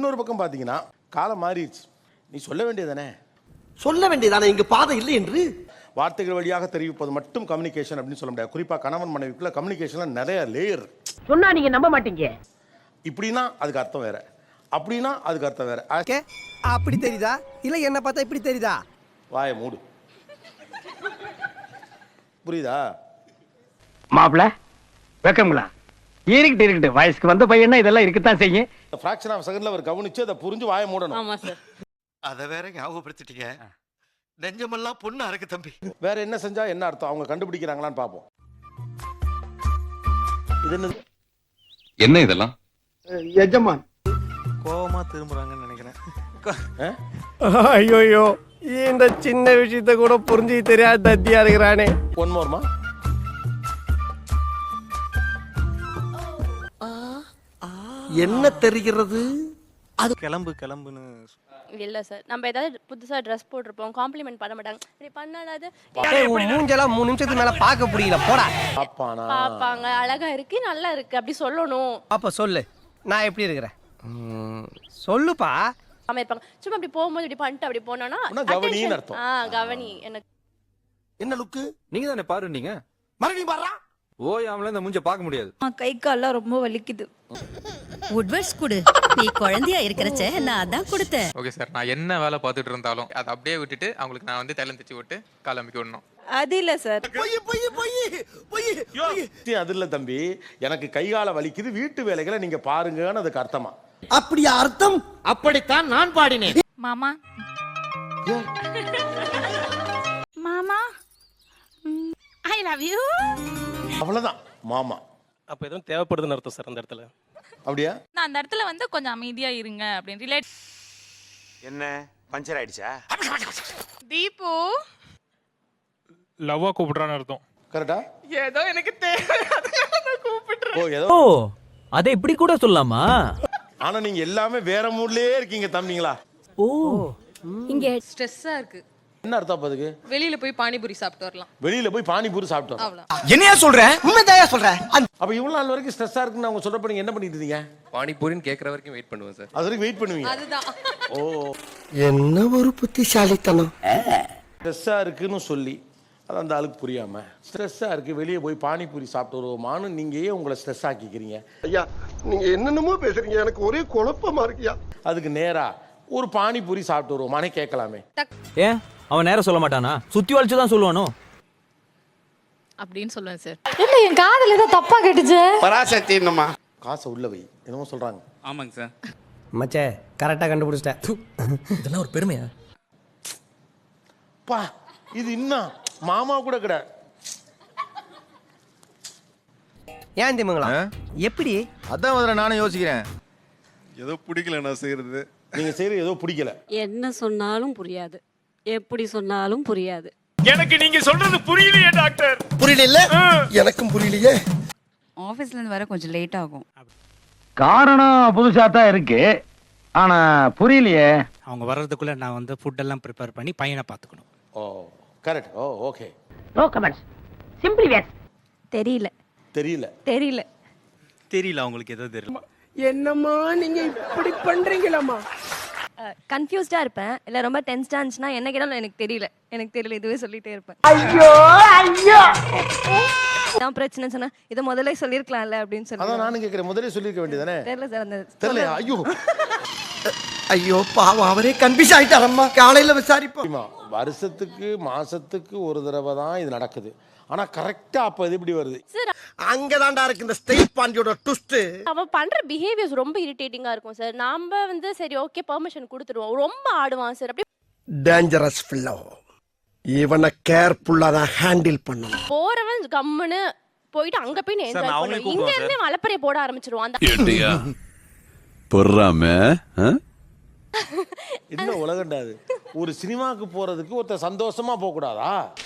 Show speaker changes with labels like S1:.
S1: இன்னொரு பக்கம் பாத்தீங்கன்னா காலம் மாறிடுச்சு, நீ சொல்ல வேண்டியதானே.
S2: சொல்ல வேண்டியதானே, இங்கு பாதை இல்லை என்று.
S1: வார்த்தைகள் வழியாக தெரிவிப்பது மட்டும் கம்யூனிகேஷன் அப்படின்னு சொல்ல முடியாது. குறிப்பா கணவன் மனைவிக்குள்ள கம்யூனிகேஷன்ல நிறைய லேயர்.
S3: சொன்னா நீங்க நம்ப மாட்டீங்க.
S1: இப்படின்னா அதுக்கு அர்த்தம் வேற, அப்படின்னா அதுக்கு அர்த்தம் வேற.
S2: அப்படி தெரியுதா இல்ல என்ன பார்த்தா இப்படி தெரியுதா?
S1: வாயை மூடு. புரியுதா
S3: மாப்பிள? வெக்கங்களா? இருக்கட்டு வயசுக்கு வந்த பையனா இதெல்லாம் இருக்கத்தான் செய்யும்.
S1: ஃபிராக்ஷன் ஆஃப் செகண்ட்ல அவர் கவனிச்சு அதை புரிஞ்சு வாயை மூடணும்.
S4: ஆமா சார்.
S2: அத வேற ஞாபகப்படுத்திட்டீங்க. நெஞ்சமெல்லாம் பொண்ணு அறக்கு தம்பி.
S1: வேற என்ன செஞ்சா என்ன அர்த்தம், அவங்க கண்டுபிடிக்கிறாங்களான்னு பாப்போம். இது
S5: என்ன இதெல்லாம்?
S2: எஜமான்
S6: கோவமா திரும்புறாங்கன்னு நினைக்கிறேன்.
S2: ஐயோ இந்த சின்ன விஷயத்தை கூட புரிஞ்சு தெரியாத தத்தியா இருக்கிறானே.
S1: ஒன் மோர்மா.
S2: என்ன தெரிகிறது?
S6: அது கிளம்புன்னு
S4: இல்ல சார், நம்ம ஏதாவது புதுசா ட்ரெஸ் போட்டிருப்போம், காம்ப்ளிமெண்ட் பண்ண மாட்டாங்க. இப்படி பண்ணாலாவது
S2: மூஞ்செல்லாம் 3 நிமிஷத்துக்கு மேல பார்க்க முடியல. போடா.
S1: பாப்பானா
S4: பாப்பாங்க, அழகா இருக்கு, நல்லா இருக்கு அப்படி சொல்லணும்.
S2: அப்ப சொல்லு, நான் எப்படி இருக்கிறேன் சொல்லுப்பா.
S4: ஆமா இருப்பாங்க. சும்மா அப்படி போகும்போது இப்படி பண்ணிட்டு அப்படி போனோம்னா
S1: கவனின்னு அர்த்தம்.
S4: கவனி. எனக்கு
S2: என்ன லுக்கு?
S7: நீங்க தானே பாரு, நீங்க
S2: மறுபடியும் பாடுறா.
S7: ஓயாமல இந்த மூஞ்ச பார்க்க முடியாது.
S8: கை கால்லாம் ரொம்ப வலிக்குது.
S9: உட்வர்ட்ஸ் குடு. நீ குழந்தையா இருக்கிறச்ச நான் அதான் கொடுத்தேன்.
S10: ஓகே சார், நான் என்ன வேலை பார்த்துட்டு இருந்தாலும் அதை அப்படியே விட்டுட்டு அவங்களுக்கு நான் வந்து தைலம் தச்சு விட்டு கால் அமைக்க விடணும்.
S8: அது இல்ல சார்.
S1: அது இல்ல தம்பி, எனக்கு கைகால வலிக்குது, வீட்டு வேலைகளை நீங்க பாருங்கன்னு அதுக்கு அர்த்தமா?
S2: அப்படியா அர்த்தம்?
S6: அப்படித்தான் நான் பாடினேன்.
S8: மாமா மாமா ஐ லவ் யூ.
S1: அவ்வளவுதான் மாமா.
S6: அப்ப எதுவும் தேவைப்படுதுன்னு அர்த்தம் சார் அந்த இடத்துல.
S1: அப்படியா?
S8: நான் அந்த இடத்துல வந்து கொஞ்சம் அமைதியா இருங்க அப்படின்னு ரிலேட்.
S2: என்ன பஞ்சர் ஆயிடுச்சா?
S8: தீபு
S10: லவ்வா கூப்பிடுறான்னு அர்த்தம்.
S1: கரெக்டா?
S8: ஏதோ எனக்கு தேவை அதனால கூப்பிடுறேன்.
S1: ஓ ஏதோ.
S3: அதை இப்படி கூட சொல்லலாமா?
S1: ஆனா நீங்க எல்லாமே வேற மூட்லயே இருக்கீங்க தம்பிங்களா.
S3: ஓ
S8: இங்க ஸ்ட்ரெஸ்ஸா இருக்கு.
S1: என்ன அர்த்தம் அதுக்கு?
S8: வெளியில போய் பானிபூரி சாப்பிட்டு வரலாம்.
S1: வெளியில போய் பானிபூரி சாப்பிட்டோம்.
S2: என்னையா சொல்ற? உண்மைதாயா சொல்ற?
S1: அப்ப இவ்வளவு நாள் வரைக்கும் ஸ்ட்ரெஸ்ஸா இருக்குன்னு அவங்க சொல்றப்ப நீங்க என்ன பண்ணிட்டு இருந்தீங்க?
S5: பானிபூரின்னு கேட்கற வரைக்கும் வெயிட் பண்ணுவேன் சார்.
S1: அது வரைக்கும் வெயிட் பண்ணுவீங்க.
S8: அதுதான்.
S1: ஓ
S2: என்ன ஒரு புத்திசாலித்தனம்.
S1: ஸ்ட்ரெஸ்ஸா இருக்குன்னு சொல்லி அது அந்த ஆளுக்கு புரியாம ஸ்ட்ரெஸ்ஸா இருக்கு வெளியே போய் பானிபூரி சாப்பிட்டு வருவோமான்னு நீங்க ஏன் உங்களை ஸ்ட்ரெஸ் ஆக்கிக்கிறீங்க?
S2: ஐயா நீங்க என்னென்னமோ பேசுறீங்க, எனக்கு ஒரே குழப்பமா இருக்கியா.
S1: அதுக்கு நேரா ஒரு பானிபூரி சாப்பிட்டு வருவோமானே கேட்கலாமே.
S3: ஏன் அவன் நேரம் சொல்ல மாட்டானா? சுத்தி வளைச்சு தான் சொல்லுவானோ
S8: அப்படின்னு சொல்லுவேன் சார்.
S9: இல்ல என் காதுல ஏதோ தப்பா கேட்டுச்சு.
S2: பராசக்தி என்னமா
S1: காசை உள்ள வை என்னமோ சொல்றாங்க.
S10: ஆமாங்க சார்.
S2: மச்சே கரெக்டா கண்டுபிடிச்சிட்டேன்.
S3: இதெல்லாம் ஒரு பெருமையா?
S1: பா இது இன்னும் மாமா கூட கிடையாது.
S2: ஏன் திமுங்களா எப்படி?
S7: அதான் முதல்ல நானும் யோசிக்கிறேன்.
S6: ஏதோ பிடிக்கல நான் செய்யறது.
S1: நீங்க செய்யறது ஏதோ பிடிக்கல.
S4: என்ன சொன்னாலும் புரியாது, எப்படி சொன்னாலும் புரியாது.
S10: எனக்கு நீங்க சொல்றது புரியலையே டாக்டர்.
S2: புரியல? எனக்கும் புரியலையே.
S8: ஆபீஸ்ல இருந்து வர கொஞ்சம் லேட் ஆகும்.
S3: காரணம் புதுசா தான் இருக்கு, ஆனா புரியலையே.
S6: அவங்க வர்றதுக்குள்ள நான் வந்து ஃபுட் எல்லாம் ப்ரிப்பேர் பண்ணி பையனை பாத்துக்கணும்.
S1: Oh correct. Oh okay.
S3: No comments. Simply where.
S8: தெரியல
S1: தெரியல.
S8: தெரியல
S6: தெரியல அவங்களுக்கு ஏதோ தெரியல.
S2: என்னம்மா நீங்க இப்படி பண்றீங்களாமா?
S4: கன்ஃபியூஸ்டா இருப்பேன், இல்ல ரொம்ப டென்ஸ்டா இருந்துச்சுன்னா என்ன கேட்டாலும் எனக்கு தெரியல இதுவே சொல்லிட்டே இருப்பேன்.
S2: ஐயோ ஐயோ
S4: நான் பிரச்சனை சொன்னா இதை முதல்ல சொல்லிருக்கலாம்ல அப்படின்னு சொல்லி.
S1: அதான் நானும் கேட்கிறேன், முதல்ல சொல்லிருக்க வேண்டியதானே.
S4: தெரியல சார் அந்த
S1: தெரியல. ஐயோ
S2: ஐயோ பாவம் அவரே கன்ஃபியூஸ் ஆயிட்டாரம்மா. காலையில விசாரிப்போம்.
S1: வருஷத்துக்கு மாசத்துக்கு ஒரு தடவை தான் இது நடக்குது, ஆனா கரெக்டா அப்ப இது இப்படி வருது.
S2: அங்கதான்டா இருக்கு இந்த ஸ்டேட் பாண்டியோட ட்விஸ்ட்.
S4: அவ பண்ற பிஹேவியர்ஸ் ரொம்ப இரிட்டேட்டிங்கா இருக்கும் சார். நாம வந்து சரி ஓகே பெர்மிஷன் கொடுத்துருவோம், ரொம்ப ஆடுவான் சார். அப்படி
S2: டேஞ்சரஸ் ஃபெல்லோ. இவனை கேர்ஃபுல்லா தான் ஹேண்டில் பண்ணணும்.
S4: போறவன் கம்முன்னு போயிட்டு அங்க போய் என்ஜாய் பண்ணுவோம். இங்க இருந்து மலப்பறைய போட ஆரம்பிச்சிருவான். அந்த
S5: பொறாம
S1: என்ன உலகண்டாது. ஒரு சினிமாக்கு போறதுக்கு ஒருத்தர் சந்தோஷமா போக கூடாதா?